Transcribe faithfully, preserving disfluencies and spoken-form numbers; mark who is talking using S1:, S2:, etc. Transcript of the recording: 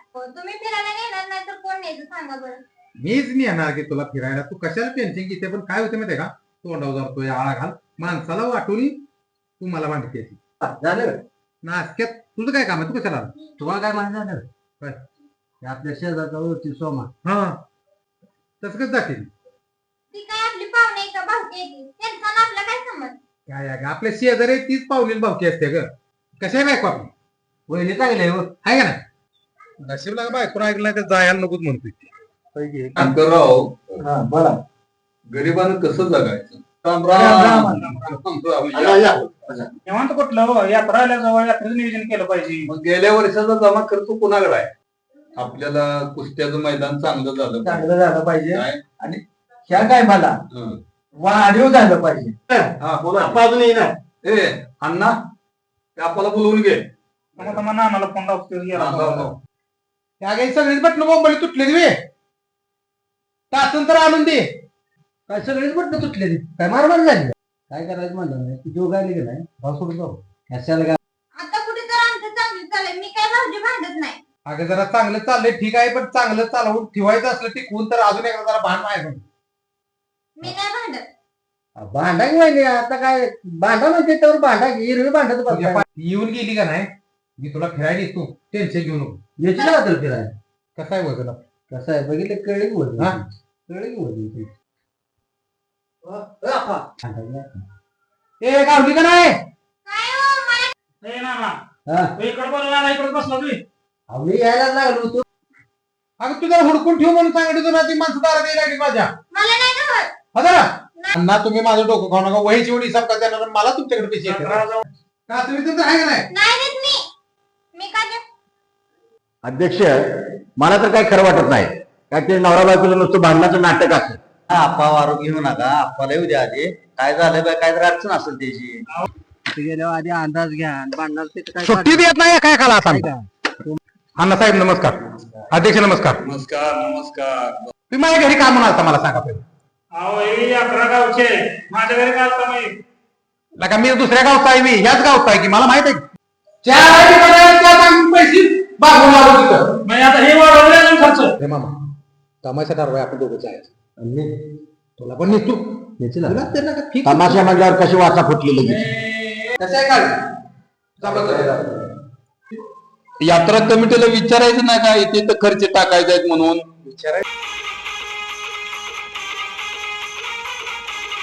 S1: तुम्ही फिरायला नेणार नाही तर कोण न्यायचं सांगा बरं.
S2: मीच नाही येणार की तुला फिरायला. तू कशाला टेन्शन घेते. पण काय होतं माहितीये का, तोंडावर जातोय आळा घाल माणसाला वाटून तू मला मांडते
S3: झालं
S2: नासक्यात. तुझं काय काम आहे, तू कशाला आला?
S3: तुम्हाला काय माहिती झालं
S2: काय?
S3: ते आपल्या शेजारचा ओळखी सोमा
S2: हा तसं कसं जातील.
S1: ती काय आपली पाहुणे आहे का भावकी आहे ती? त्यांचा आणि आपला काय संबंध?
S2: काय आहे ग, आपल्या शेजारी तीच पावलेली भावकी असते ग. कशा आहे बायको आपली,
S3: वहिनी चांगली आहे हो.
S2: आहे का नाही? नशीबला बायको ऐकला तर जायला नकोच म्हणतोय ती.
S4: शंकरराव,
S3: हा बोला.
S4: गरिबानं कसं जगायचं? राम
S3: राम
S4: राम
S3: राम.
S4: राम या.
S3: या.
S5: निवांत कुठलं हो? यात्रा आल्याजवळ यात्रेचं नियोजन केलं पाहिजे.
S4: मग गेल्या वर्षाचा जमा खर्च कुणाकडे आहे? आपल्याला कुस्त्याचं मैदान चांगलं झालं
S3: चांगलं झालं पाहिजे
S4: काय?
S3: आणि ह्या काय मला
S4: हं.
S3: वाढीव झालं पाहिजे.
S4: हा बोला.
S3: अजून येणार.
S4: ए अण्णा, ते आपल्याला बोलवून घे.
S5: मग आता नानाला फोन लावतो
S4: हा,
S5: गेला.
S4: लाव, लाव.
S2: त्या काही सगळीच बटणं बोंबली तुटलेली वे टाचून तर आणून दे.
S3: काय सगळेच म्हटलं तुटले काय मारमार झाली काय करायचं म्हणलं नाही जो गायला गेलाय भाव सोडून जाऊ ह्याच्याला काय.
S1: आता कुठे तर आमचं चांगलं चाललंय. मी काय भाऊजी भांडत नाही.
S2: अगं जरा चांगलं चाललंय ठीक आहे, पण चांगलं चालवून ठेवायचं असलं टिकवून तर अजून एकदा जरा भांड आहे.
S1: मी नाही भांडत.
S3: भांडा की माहिती आता काय भांडा म्हणते तर भांडा हिरवी भांडत
S2: तुझ्या पा- येऊन गेली का नाही, मी तुला फिरायला येतो. टेन्शन घेऊ नको.
S3: याची ना तर फिरायला
S2: कसं आहे वजन आपलं?
S3: कसं आहे बघितलं कळले की वजन
S2: हा?
S3: कळले की वजन
S2: ए गावली का नाही?
S1: काय हो मला
S5: ए नाना,
S3: हा
S5: तू इकडे बोलला नाना इकडे बसला तुम्ही.
S3: आम्ही यायला लागलो होतो.
S2: अगं तू जरा हुडकून ठेव म्हणून सांगितलं तुला. ती माणसं दारात यायला लागली माझ्या.
S1: मला नाही ना होत.
S2: हजरा अण्णा, तुम्ही माझं डोकं खाऊ नका. वहीची एवढी हिसाब का देणार, मला तुमच्याकडे पैसे येते का?
S5: यात्रा
S2: का तुम्ही तुमचं आहे का नाही?
S1: नाही देत मी. मी का देत?
S6: अध्यक्ष, मला तर काही खरं वाटत नाही. काय ते नवरा बायकोला नुसतं भांडणाचं नाटक असतं.
S3: आप्पा वारू घेऊ नका आप्पाला येऊ द्या आधी काय झालं बा काय तर अडचण असेल त्याची गेल्यावर आधी अंदाज घ्या भांडणार ते काय
S2: सुट्टी देत नाही काय काला आता. अण्णा साहेब नमस्कार. अध्यक्ष नमस्कार.
S4: नमस्कार नमस्कार.
S2: तुम्ही माझ्या घरी काय म्हणाल मला सांगा पहिले.
S5: अहो ही यात्रा गावचे माझ्या घरी काय होता माहिती?
S2: लका मी दुसऱ्या गावचा आहे, मी ह्याच गावचा आहे की मला माहित आहे. चार ठिकाणी पैसे बागून लावलं तिथं.
S5: मग आता हे वाढवले अजून खर्च.
S2: हे मामा तमाशा ठरवाय आपण दोघं जायचं. तुला पण नेतो. तुला त्यांना काय ठीक आहे.
S6: तमाशा म्हटल्यावर कशी वाचा फुटली लगेच.
S2: कसं आहे काय
S4: यात्रा कमिटीला विचारायचं नाही का इथे तर खर्च टाकायचे आहेत म्हणून?
S2: विचारायचं